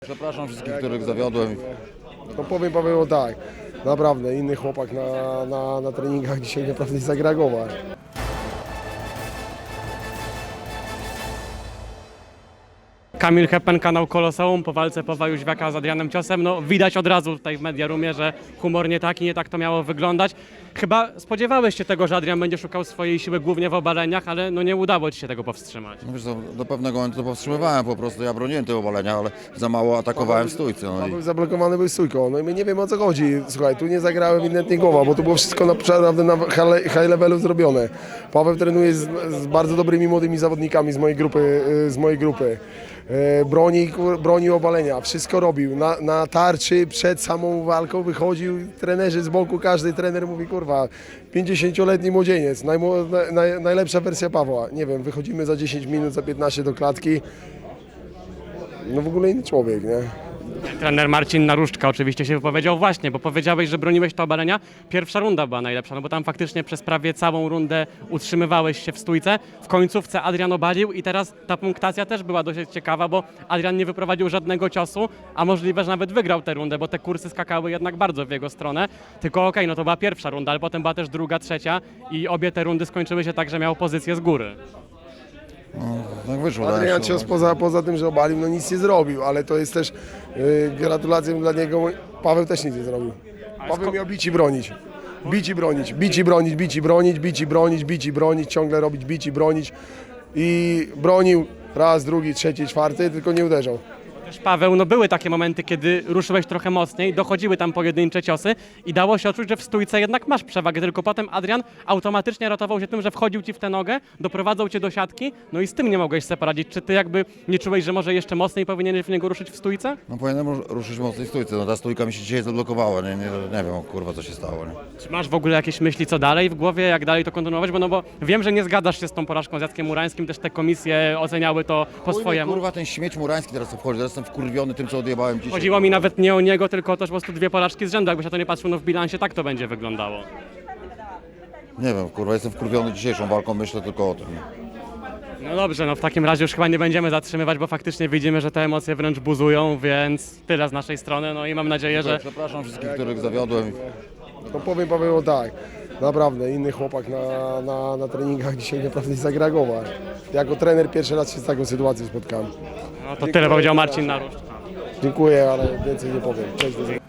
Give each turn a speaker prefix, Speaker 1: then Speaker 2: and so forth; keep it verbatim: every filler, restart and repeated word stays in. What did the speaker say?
Speaker 1: Przepraszam wszystkich, których zawiodłem.
Speaker 2: No powiem Paweł tak, naprawdę inny chłopak na, na, na treningach dzisiaj naprawdę nie zareagował.
Speaker 3: Kamil Hepen, kanał Koloseum, po walce Pawła Jóźwiaka z Adrianem Ciosem. No widać od razu tutaj w Media Roomie, że humor nie taki, nie tak to miało wyglądać. Chyba spodziewałeś się tego, że Adrian będzie szukał swojej siły głównie w obaleniach, ale no nie udało ci się tego powstrzymać.
Speaker 1: No wiesz co, do pewnego momentu to powstrzymywałem po prostu, ja broniłem tego obalenia, ale za mało atakowałem w stójce. No i...
Speaker 2: Paweł zablokowany był stójką, no i my nie wiemy o co chodzi. Słuchaj, tu nie zagrałem ewidentnie głowa, bo to było wszystko naprawdę na high levelu zrobione. Paweł trenuje z, z bardzo dobrymi młodymi zawodnikami z mojej grupy. Z mojej grupy. Broni, broni obalenia, wszystko robił. Na, na tarczy przed samą walką wychodził, trenerzy z boku, każdy trener mówi, kurwa, pięćdziesięcioletni młodzieniec, najmo, naj, najlepsza wersja Pawła. Nie wiem, wychodzimy za dziesięć minut, za piętnaście do klatki. No w ogóle inny człowiek, nie?
Speaker 3: Trener Marcin Naruszczka oczywiście się wypowiedział właśnie, bo powiedziałeś, że broniłeś to obalenia. Pierwsza runda była najlepsza, no bo tam faktycznie przez prawie całą rundę utrzymywałeś się w stójce. W końcówce Adrian obalił i teraz ta punktacja też była dosyć ciekawa, bo Adrian nie wyprowadził żadnego ciosu, a możliwe, że nawet wygrał tę rundę, bo te kursy skakały jednak bardzo w jego stronę. Tylko okej, okay, no to była pierwsza runda, ale potem była też druga, trzecia i obie te rundy skończyły się tak, że miał pozycję z góry.
Speaker 1: No, tak wyszło.
Speaker 2: Adrian
Speaker 1: tak,
Speaker 2: Cios poza, poza tym, że obalił, no nic nie zrobił, ale to jest też yy, gratulacją dla niego. Paweł też nic nie zrobił. Paweł miał bić i bronić. Bić i bronić, bić i bronić, bić i bronić, bić i bronić, bić i bronić, ciągle robić bić i bronić. I bronił raz, drugi, trzeci, czwarty, tylko nie uderzał.
Speaker 3: Też Paweł, no były takie momenty, kiedy ruszyłeś trochę mocniej, dochodziły tam pojedyncze ciosy i dało się odczuć, że w stójce jednak masz przewagę, tylko potem Adrian automatycznie ratował się tym, że wchodził ci w tę nogę, doprowadzał cię do siatki, no i z tym nie mogłeś sobie poradzić. Czy ty jakby nie czułeś, że może jeszcze mocniej powinieneś w niego ruszyć w stójce?
Speaker 1: No powinienem ruszyć mocniej w stójce, no ta stójka mi się dzisiaj zablokowała, nie, nie, nie wiem kurwa co się stało. Nie?
Speaker 3: Czy masz w ogóle jakieś myśli co dalej w głowie, jak dalej to kontynuować? Bo no bo wiem, że nie zgadzasz się z tą porażką z Jackiem Murańskim, też te komisje oceniały to po
Speaker 1: Chuj,
Speaker 3: swojemu.
Speaker 1: Kurwa ten śmieć murański teraz tu wchodzi, teraz jestem wkurwiony tym co odjebałem dzisiaj.
Speaker 3: Chodziło mi nawet nie o niego, tylko też po prostu dwie porażki z rzędu. Jakbyś na to nie patrzył, no w bilansie tak to będzie wyglądało.
Speaker 1: Nie wiem, kurwa jestem wkurwiony dzisiejszą walką, myślę tylko o tym.
Speaker 3: No dobrze, no w takim razie już chyba nie będziemy zatrzymywać, bo faktycznie widzimy, że te emocje wręcz buzują, więc tyle z naszej strony, no i mam nadzieję, że...
Speaker 1: Przepraszam wszystkich, których zawiodłem.
Speaker 2: No powiem Paweł tak, naprawdę inny chłopak na, na, na treningach dzisiaj naprawdę nie zareagował. Jako trener pierwszy raz się z taką sytuacją spotkałem.
Speaker 3: No to tyle powiedział Marcin Naruszczka.
Speaker 2: Dziękuję, ale więcej nie powiem. Cześć, do zobaczenia.